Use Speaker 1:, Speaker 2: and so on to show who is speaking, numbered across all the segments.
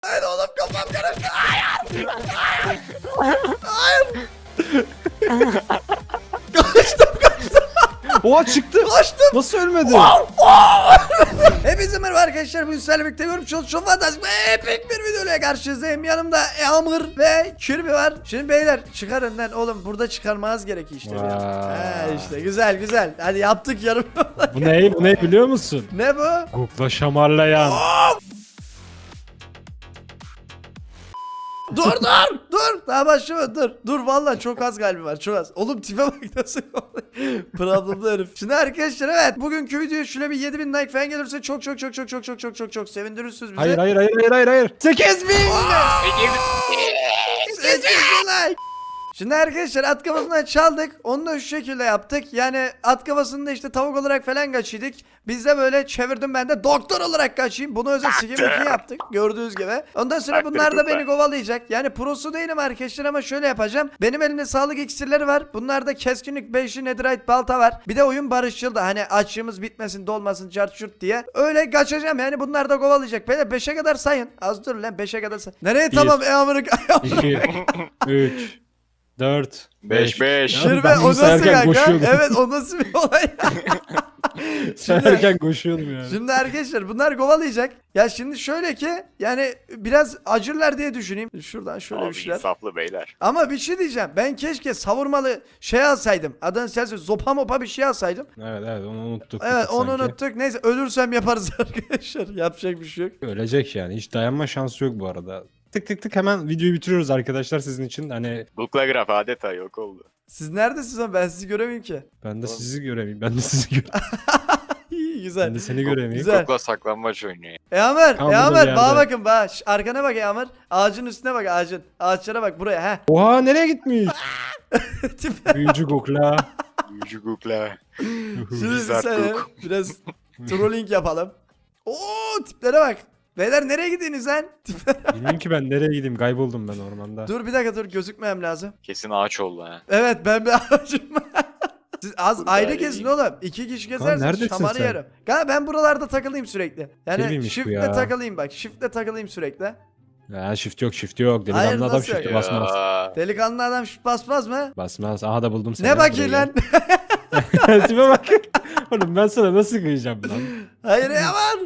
Speaker 1: Hayır oğlum kafam karıştı. Hayır. Hayır. Kaçtım.
Speaker 2: Oha çıktı.
Speaker 1: Kaçtım.
Speaker 2: Nasıl ölmedi?
Speaker 1: Hepinize merhaba arkadaşlar. Bugün sizlerle birlikte görmüş çok fantastik ve epik bir videoyla karşınızdayım. Yanımda Yağmur ve Kirby var. Şimdi beyler çıkar önden oğlum. Burada çıkarmanız gerekiyor işte. He işte güzel. Hadi yaptık yarım.
Speaker 2: Bu ne? Bu ne biliyor musun?
Speaker 1: Ne bu?
Speaker 2: Google'a şamarlayan.
Speaker 1: Dur. Daha başlama dur. Vallahi çok az kalbim var çok az. Oğlum tipe bak nasıl problemli herif. Şimdi arkadaşlar evet bugünkü videoya şöyle bir 7000 like falan gelirse çok sevindirirsiniz bizi.
Speaker 2: Hayır.
Speaker 1: 8000 like. Şimdi arkadaşlar at kafasından çaldık. Onu da şu şekilde yaptık. Yani at kafasında işte tavuk olarak falan kaçıyorduk. Biz de böyle çevirdim ben de doktor olarak kaçayım. Bunu özel skim 2 yaptık. Gördüğünüz gibi. Ondan sonra bunlar da beni kovalayacak. Yani prosu değilim arkadaşlar ama şöyle yapacağım. Benim elimde sağlık iksirleri var. Bunlarda keskinlik 5'li netherite balta var. Bir de oyun barışçıl da hani açlığımız bitmesin dolmasın çart çurt diye. Öyle kaçacağım yani bunlar da kovalayacak. Böyle 5'e kadar sayın. Az dur lan 5'e kadar say. Nereye tamam Amerika.
Speaker 2: 2, 3, 4, 5.
Speaker 1: Şirve
Speaker 2: Ben
Speaker 1: o
Speaker 2: bunu
Speaker 1: nasıl
Speaker 2: sayarken
Speaker 1: kanka?
Speaker 2: koşuyordum.
Speaker 1: Evet o nasıl bir olay?
Speaker 2: Sayarken koşuyordum yani.
Speaker 1: Şimdi arkadaşlar bunlar kovalayacak. Ya şimdi şöyle ki yani biraz acırlar diye düşüneyim. Şuradan şöyle bir şeyler.
Speaker 3: İnsaflı beyler.
Speaker 1: Ama bir şey diyeceğim. Ben keşke savurmalı şey alsaydım. Adını sensin zopa mopa bir şey alsaydım.
Speaker 2: Evet onu unuttuk.
Speaker 1: Evet onu
Speaker 2: sanki.
Speaker 1: unuttuk. Neyse ölürsem yaparız arkadaşlar. Yapacak bir şey yok.
Speaker 2: Ölecek yani. Hiç dayanma şansı yok bu arada. Tık hemen videoyu bitiriyoruz arkadaşlar sizin için. Hani
Speaker 3: Bukla graf adeta yok oldu.
Speaker 1: Siz neredesiniz ama ben sizi göremeyim ki.
Speaker 2: ben de sizi göremeyim. Ben de sizi göremeyim.
Speaker 1: İyi güzel.
Speaker 2: Ben de seni göremeyim.
Speaker 1: Güzel.
Speaker 3: Bukla saklanmaç oynuyor.
Speaker 1: Yağmur,
Speaker 2: Tam burada
Speaker 1: Yağmur
Speaker 2: bir
Speaker 1: bana
Speaker 2: yerde.
Speaker 1: bakın bana. Arkana bak Yağmur. Ağacın üstüne bak ağacın. Ağaçlara bak buraya he.
Speaker 2: Oha nereye gitmiş?
Speaker 1: Tip-
Speaker 2: Büyücü Google'a.
Speaker 3: Büyücü Bukla.
Speaker 1: Şimdi bir
Speaker 3: Wizard
Speaker 1: saniye
Speaker 3: Cook.
Speaker 1: biraz trolling yapalım. Oo tiplere bak. Beyler nereye gidiyorsunuz lan? Tiplere-
Speaker 2: Bilmiyorum ki ben nereye gideyim. Kayboldum ben ormanda.
Speaker 1: Dur bir dakika dur gözükmem lazım.
Speaker 3: Kesin ağaç oldu ha.
Speaker 1: Evet ben bir ağacım. Siz az
Speaker 3: Burada
Speaker 1: ayrı
Speaker 3: öyle
Speaker 1: gezin
Speaker 3: değil.
Speaker 1: oğlum. 2 kişi
Speaker 2: Kaan,
Speaker 1: gezersiniz
Speaker 2: neredesin
Speaker 1: şamanı
Speaker 2: sen?
Speaker 1: yerim. Kanka ben buralarda takılayım sürekli. Yani
Speaker 2: Kirliymiş bu
Speaker 1: shift'le
Speaker 2: ya.
Speaker 1: takılayım bak. Shift'le takılayım sürekli.
Speaker 2: Ya shift yok.
Speaker 1: Hayır,
Speaker 2: Delikanlı adam
Speaker 1: nasıl
Speaker 2: shift'e
Speaker 1: yok?
Speaker 2: basmaz.
Speaker 3: Ya.
Speaker 1: Delikanlı adam shift basmaz mı?
Speaker 2: Basmaz. Aha da buldum seni.
Speaker 1: Ne bakayım lan?
Speaker 2: Tipe bak. Oğlum ben sana nasıl kıyacağım lan?
Speaker 1: Hayır Yaman.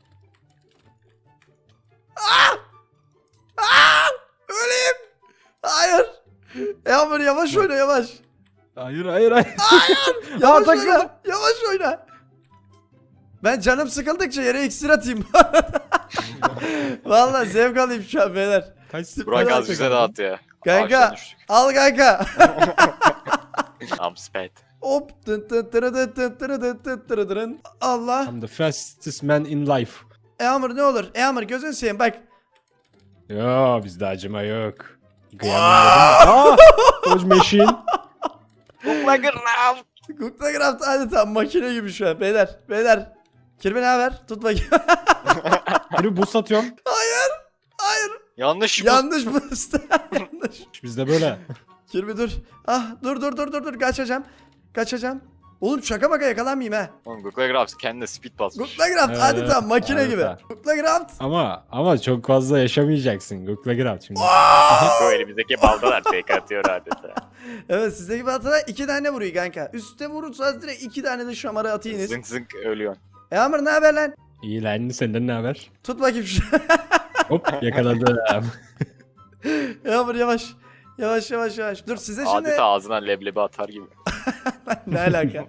Speaker 1: Öleyim. Hayır. Yağmur yavaş oyna yavaş.
Speaker 2: Hayır.
Speaker 1: Yavaş
Speaker 2: takıldım.
Speaker 1: oyna. Yavaş oyna. Ben canım sıkıldıkça yere iksir atayım. Vallahi zevk alayım şu an beyler.
Speaker 2: Kaç
Speaker 3: Burak
Speaker 1: Hadi
Speaker 3: az bize dağıt ya.
Speaker 1: Kanka
Speaker 3: Ağaçtan düştük.
Speaker 1: al kanka.
Speaker 3: I'm sped.
Speaker 1: Hop. Tın tın tırı tın tın tırı tın tın tırı tırın. Allah.
Speaker 2: I'm the fastest man in life.
Speaker 1: Yağmur ne olur. Yağmur gözünü seveyim bak.
Speaker 2: Yo bizde acıma yok. Aa! Dodge machine.
Speaker 3: Bukla graf.
Speaker 1: Cook'ta Craft adeta makine gibi şu an beyler. Beyler. Kirby ne haber? Tut bakayım.
Speaker 2: Biri boost atıyorum.
Speaker 1: Hayır.
Speaker 3: Yanlış mı?
Speaker 1: Yanlış mı? Yanlış.
Speaker 2: Bizde böyle.
Speaker 1: Kirby dur. Ah dur. Kaçacağım. Oğlum şaka maka yakalanmayayım ha.
Speaker 3: Oğlum Bukla graf kendine speed basmış.
Speaker 1: Cook'ta Craft
Speaker 2: Evet,
Speaker 1: adeta makine
Speaker 2: adeta.
Speaker 1: gibi. Cook'ta Craft.
Speaker 2: Ama çok fazla yaşamayacaksın. Google'a gir at şimdi.
Speaker 3: Bu elimizdeki baldalar tek atıyor adeta.
Speaker 1: Evet sizdeki baltada 2 tane vuruyor kanka. Üste vurursanız direkt 2 tane de şamarı atayınız.
Speaker 3: Zınk zınk ölüyorsun.
Speaker 1: Yağmur ne haber lan?
Speaker 2: İyi lan senden ne haber?
Speaker 1: Tut bakayım şu.
Speaker 2: Hop yakaladım.
Speaker 1: Yağmur yavaş. Yavaş. Dur size şimdi.
Speaker 3: Adeta ağzına leblebi atar gibi.
Speaker 1: Ne alaka?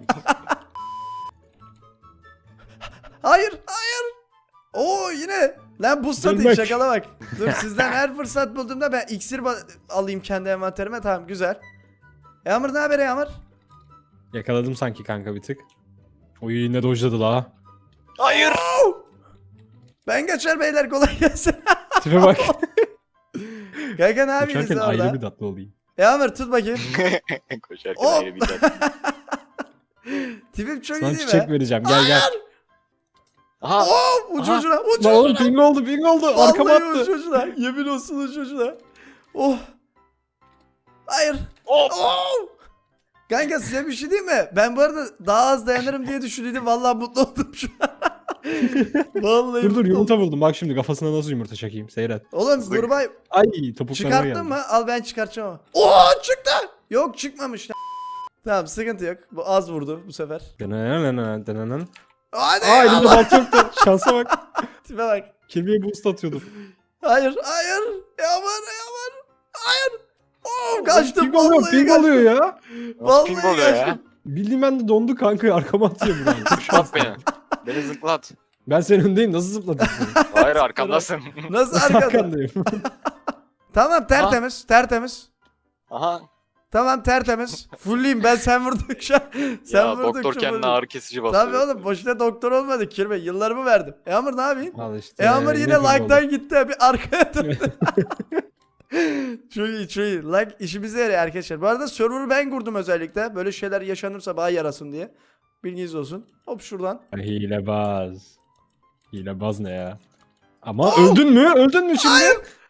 Speaker 1: Hayır. Oo yine. Lan boost atayım
Speaker 2: Dönmek.
Speaker 1: şakala bak. Dur sizden her fırsat bulduğumda ben iksir alayım kendi envanterime. Tamam güzel. Yağmur ne haber Yağmur?
Speaker 2: Yakaladım sanki kanka bir tık. Oyu yine dojladı la.
Speaker 3: Hayır.
Speaker 1: Ben kaçar beyler kolay gelsin.
Speaker 2: Tipe bak.
Speaker 1: Kanka ne yapıyorsun
Speaker 2: Uçarken
Speaker 1: orada?
Speaker 2: ayrı bir tatlı olayım.
Speaker 1: Yağmur tut bakayım.
Speaker 3: Koşarken
Speaker 1: Hop.
Speaker 3: ayrı bir dakika.
Speaker 1: Tipim çok
Speaker 2: Sana
Speaker 1: iyi değil
Speaker 2: çiçek
Speaker 1: mi?
Speaker 2: vereceğim gel.
Speaker 3: Aha.
Speaker 1: Oo uç
Speaker 3: Aha.
Speaker 1: ucuna uç
Speaker 2: Lan oğlum
Speaker 1: ucuna.
Speaker 2: ping oldu. Arkama
Speaker 1: Vallahi uç
Speaker 2: attı.
Speaker 1: ucuna. Yemin olsun uç ucuna. Oh. Hayır.
Speaker 3: Hop.
Speaker 1: Oh. Kanka size bir şey diyeyim mi? Ben bu arada daha az dayanırım diye düşündüm. Vallahi mutlu oldum şu an. Vallahi
Speaker 2: Dur
Speaker 1: mutlu
Speaker 2: yumurta buldum. Bak şimdi kafasına nasıl yumurta çakayım. Seyret.
Speaker 1: Oğlum
Speaker 3: Zık.
Speaker 1: Gurbay
Speaker 2: Ay topuklarına
Speaker 1: çıkarttın
Speaker 2: geldi.
Speaker 1: mı? Al ben çıkartacağım ama. Oo çıktı. Yok çıkmamış. Tamam sıkıntı yok. Bu az vurdu bu sefer.
Speaker 2: Denen.
Speaker 1: Hadi
Speaker 2: Aa elimde
Speaker 1: Allah.
Speaker 2: bant yoktu. Şansa bak.
Speaker 1: Tipe bak.
Speaker 2: Kirby'ye boost atıyordum.
Speaker 1: Hayır. Yaman. Hayır. Oo kaçtım.
Speaker 2: Ping oluyor,
Speaker 1: Vallahi
Speaker 2: ping
Speaker 1: kaçtım.
Speaker 2: oluyor ya.
Speaker 3: Nasıl ping
Speaker 1: Vallahi
Speaker 3: oluyor ya?
Speaker 1: kaçtım.
Speaker 2: Bildiğim ben de dondu kanka arkama atıyor buradan. Çok
Speaker 3: Zıplat
Speaker 2: şanslı.
Speaker 3: beni. Beni zıplat.
Speaker 2: Ben senin öndeyim nasıl zıplatayım seni?
Speaker 3: Hayır arkamdasın.
Speaker 1: Nasıl
Speaker 2: Nasıl
Speaker 1: arkada?
Speaker 2: arkandayım?
Speaker 1: Tamam tertemiz.
Speaker 3: Aha.
Speaker 1: Tamam tertemiz. Fulleyim ben sen vurdukça. Sen
Speaker 3: Ya doktor
Speaker 1: vurdukça
Speaker 3: kendine
Speaker 1: fulleyim.
Speaker 3: ağrı kesici basıyor.
Speaker 1: Tabii oğlum boşuna doktor olmadı Kirbe. Yıllarımı verdim. Amr ne yapayım?
Speaker 2: Al işte.
Speaker 1: Amr yine
Speaker 2: ping oldu.
Speaker 1: like'tan gitti. Bir arkaya döndü. Çok iyi. Like işimize yarıyor arkadaşlar. Bu arada server'ı ben kurdum özellikle. Böyle şeyler yaşanırsa bana yarasın diye. Bilginiz olsun. Hop şuradan.
Speaker 2: Hilebaz. Hilebaz ne ya? Ama öldün mü? Öldün mü şimdi?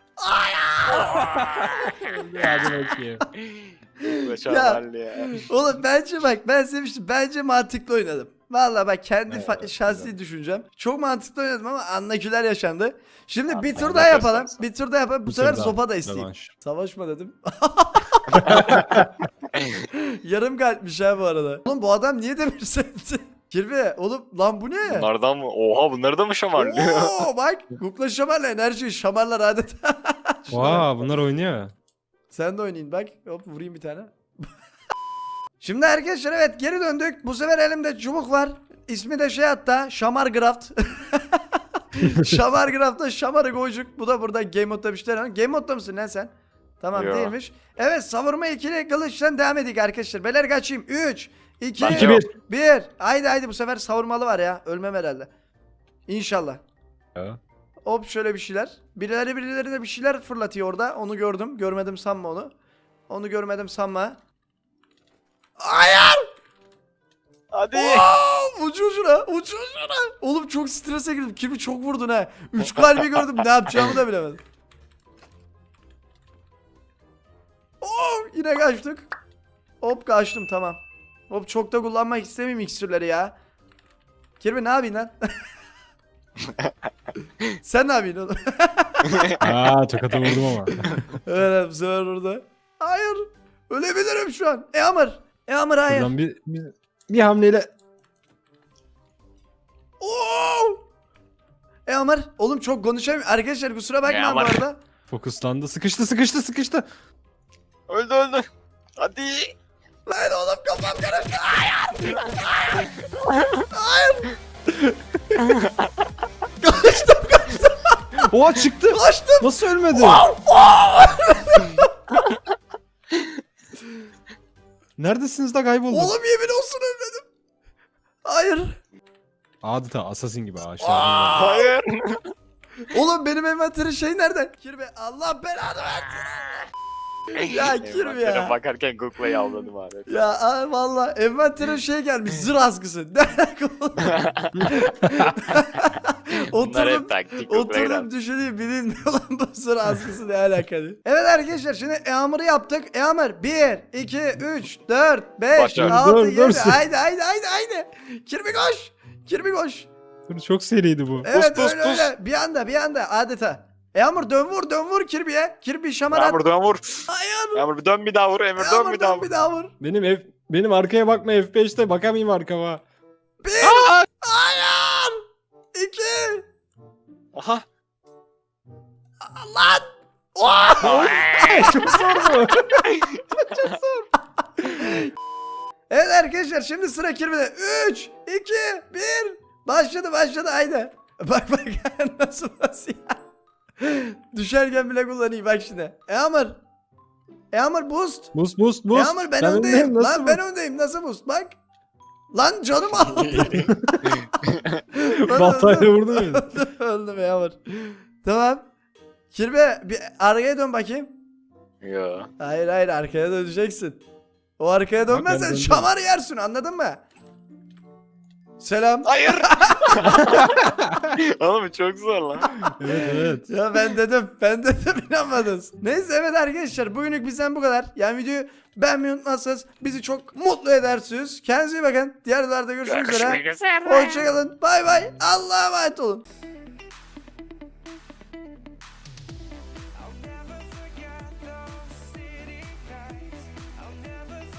Speaker 2: Hadi bakayım.
Speaker 3: Mükemmeldi ya.
Speaker 1: Oğlum bence bak ben sevmiştim. Bence mantıklı oynadım. Vallahi bak kendi
Speaker 2: Evet,
Speaker 1: şahsi
Speaker 2: güzel.
Speaker 1: düşüncem. Çok mantıklı oynadım ama anlakiler yaşandı. Şimdi
Speaker 3: Abi,
Speaker 1: bir tur
Speaker 3: ben
Speaker 1: daha
Speaker 3: de
Speaker 1: yapalım.
Speaker 3: göstersen.
Speaker 1: Bir tur daha yapalım. Bu
Speaker 2: Bir
Speaker 1: sefer
Speaker 2: tur daha.
Speaker 1: sopa da isteyeyim.
Speaker 2: Rövanş.
Speaker 1: Savaşma dedim. Yarım kalpmiş ha bu arada. Oğlum bu adam niye demir setti? Kirve oğlum lan bu ne?
Speaker 3: Bunlardan mı? Oha bunları da mı şamarlıyor?
Speaker 1: Oo bak Google'a şamarla enerji şamarlar adeta.
Speaker 2: Vaa bunlar oynuyor.
Speaker 1: Sen de oynayın bak. Hop vurayım bir tane. Şimdi arkadaşlar evet geri döndük. Bu sefer elimde çubuk var. İsmi de şey hatta Şamargraft. Şamargraft'ta şamarı koyacak. Bu da burada Game Mode'da bir şeyler var. Game Mode'da mısın lan sen? Tamam
Speaker 3: Yo.
Speaker 1: değilmiş. Evet savurma ikili kılıçtan devam edik arkadaşlar. Beyler kaçayım. 3, 2,
Speaker 3: Ben
Speaker 2: 2
Speaker 3: yok.
Speaker 2: 1.
Speaker 1: 1. Haydi bu sefer savurmalı var ya. Ölmem herhalde. İnşallah. Hop şöyle bir şeyler. Birileri de bir şeyler fırlatıyor orada. Onu gördüm. Görmedim sanma onu. Onu görmedim sanma. Hayır!
Speaker 3: Hadi.
Speaker 1: Ucu ucuna. Oğlum çok strese girdim. Kimi çok vurdun ha. 3 kalbi gördüm. Ne yapacağımı da bilemedim. Yine kaçtık. Hop kaçtım tamam. Hop çok da kullanmak istemeyeyim iksirleri ya. Kirby ne yapayım lan? Sen ne yapıyorsun oğlum?
Speaker 2: Aa tokata vurdum ama.
Speaker 1: Evet bu sefer burada. Hayır. Ölebilirim şu an. Amr hayır.
Speaker 2: Buradan bir hamleyle.
Speaker 1: Amr. Oğlum çok konuşamıyorum. Arkadaşlar kusura bakmayın bu
Speaker 3: Amr.
Speaker 1: arada.
Speaker 2: Fokuslandı. Sıkıştı.
Speaker 3: öldü. Hadi.
Speaker 1: Lan oğlum kafam karıştı.
Speaker 2: Oha çıktı.
Speaker 1: Kaçtım.
Speaker 2: Nasıl ölmedi? Neredesiniz da kayboldun?
Speaker 1: Oğlum yemin olsun ölmedim. Hayır.
Speaker 2: Adeta assassin gibi ağaçlar.
Speaker 3: Hayır.
Speaker 1: Oğlum benim envanterin şey nerede? Kirbe Allah belanı versin. Ya Kirbe ya.
Speaker 3: Envantere bakarken Google'ı avladım abi.
Speaker 1: Ya valla envanterin şey gelmiş zır askısı. Ne alaka oğlum?
Speaker 3: Bunlar
Speaker 1: Oturdum
Speaker 3: hep taktik Google'a
Speaker 1: Oturdum
Speaker 3: giren.
Speaker 1: düşüneyim bilinmiyor lan bu sıra askısı ne alakalı. Evet arkadaşlar şimdi Eamur'u yaptık. Eamur 1, 2, 3, 4, 5,
Speaker 3: Başla.
Speaker 1: 6,
Speaker 2: Dur,
Speaker 1: 7.
Speaker 2: dur.
Speaker 1: Haydi. Kirby koş.
Speaker 2: Çok seriydi bu.
Speaker 1: Evet
Speaker 3: pus,
Speaker 1: öyle
Speaker 3: pus.
Speaker 1: öyle. Bir anda adeta. Eamur dön vur Kirby'ye. Kirby şamar at.
Speaker 3: Yağmur dön vur.
Speaker 1: Hayır.
Speaker 3: Yağmur dön bir daha vur. Emir dön
Speaker 1: Eamur
Speaker 3: bir daha
Speaker 1: dön
Speaker 3: vur.
Speaker 1: bir daha vur.
Speaker 2: Benim arkaya bakma F5'te bakamayayım arkama.
Speaker 1: 1. Hayır. 2.
Speaker 3: Aha.
Speaker 1: Lan. Oh!
Speaker 2: Çok zor bu.
Speaker 1: Evet arkadaşlar şimdi sıra Kirby'de. 3, 2, 1. Başladı haydi. Bak nasıl ya. Düşerken bile kullanayım bak şimdi. Eamur boost.
Speaker 2: Boost.
Speaker 1: Eamur ben öndeyim. Lan ben öndeyim nasıl boost bak. Lan canım aldı.
Speaker 2: Baltayla vurdun beni.
Speaker 1: Öldüm Eamur. Tamam. Kirbe bir arkaya dön bakayım.
Speaker 3: Yo.
Speaker 1: Hayır arkaya döneceksin. O arkaya dönmezsen
Speaker 2: döndüm.
Speaker 1: şamar yersin anladın mı? Selam.
Speaker 3: Hayır. Oğlum çok zor lan.
Speaker 2: Evet evet.
Speaker 1: Ya ben dedim inanmadınız. Neyse evet arkadaşlar bugünlük bizden bu kadar. Yani videoyu beğenmeyi unutmazsanız bizi çok mutlu edersiniz. Kendinize iyi bakın. Diğer videolarda görüşmek üzere.
Speaker 3: Görüşmek üzere.
Speaker 1: Hoşçakalın. Bay bay. Allah'a emanet olun.